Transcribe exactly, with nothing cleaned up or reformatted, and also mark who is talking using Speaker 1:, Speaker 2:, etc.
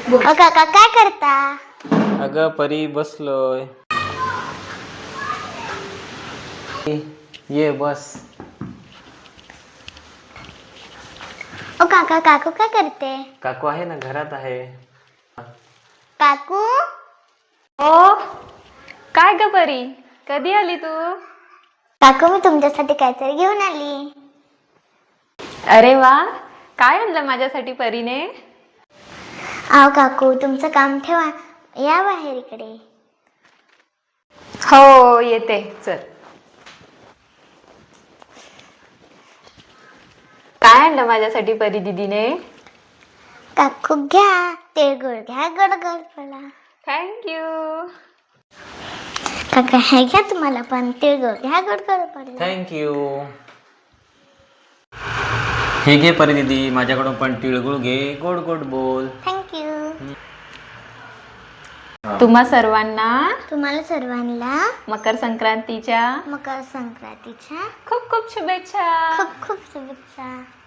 Speaker 1: अ काका काय करता?
Speaker 2: अगं परी बसलोय. ये बस.
Speaker 1: ओ काका काकू काय करते?
Speaker 2: काकू आहे ना, घरात आहे.
Speaker 1: काकू
Speaker 3: ओ काय ग परी, कधी आली तू?
Speaker 1: काकू मी तुमच्यासाठी काहीतरी घेऊन आली.
Speaker 3: अरे वा, काय आणलं माझ्यासाठी परीने?
Speaker 1: आव काकू तुमचं काम ठेवा, या बाहेर इकडे.
Speaker 3: हो येते, चल. काय आणलं माझ्यासाठी परी दीदीने?
Speaker 1: काकू घ्या, तिळगुळ घ्या, गोड गोड बोला.
Speaker 3: थँक्यू.
Speaker 1: काका हे घ्या, तुम्हाला पण तिळगुळ घ्या, गोड गोड बोला.
Speaker 2: थँक्यू. हे घे परी दीदी, माझ्याकडून पण तिळगुळ घे, गोड गोड बोल.
Speaker 1: थँक्यू.
Speaker 3: तुम्हा सर्वांना
Speaker 1: तुम्हाला सर्वांना
Speaker 3: मकर संक्रांतीच्या
Speaker 1: मकर संक्रांतीच्या
Speaker 3: खूप खूप शुभेच्छा.
Speaker 1: खूप खूप शुभेच्छा.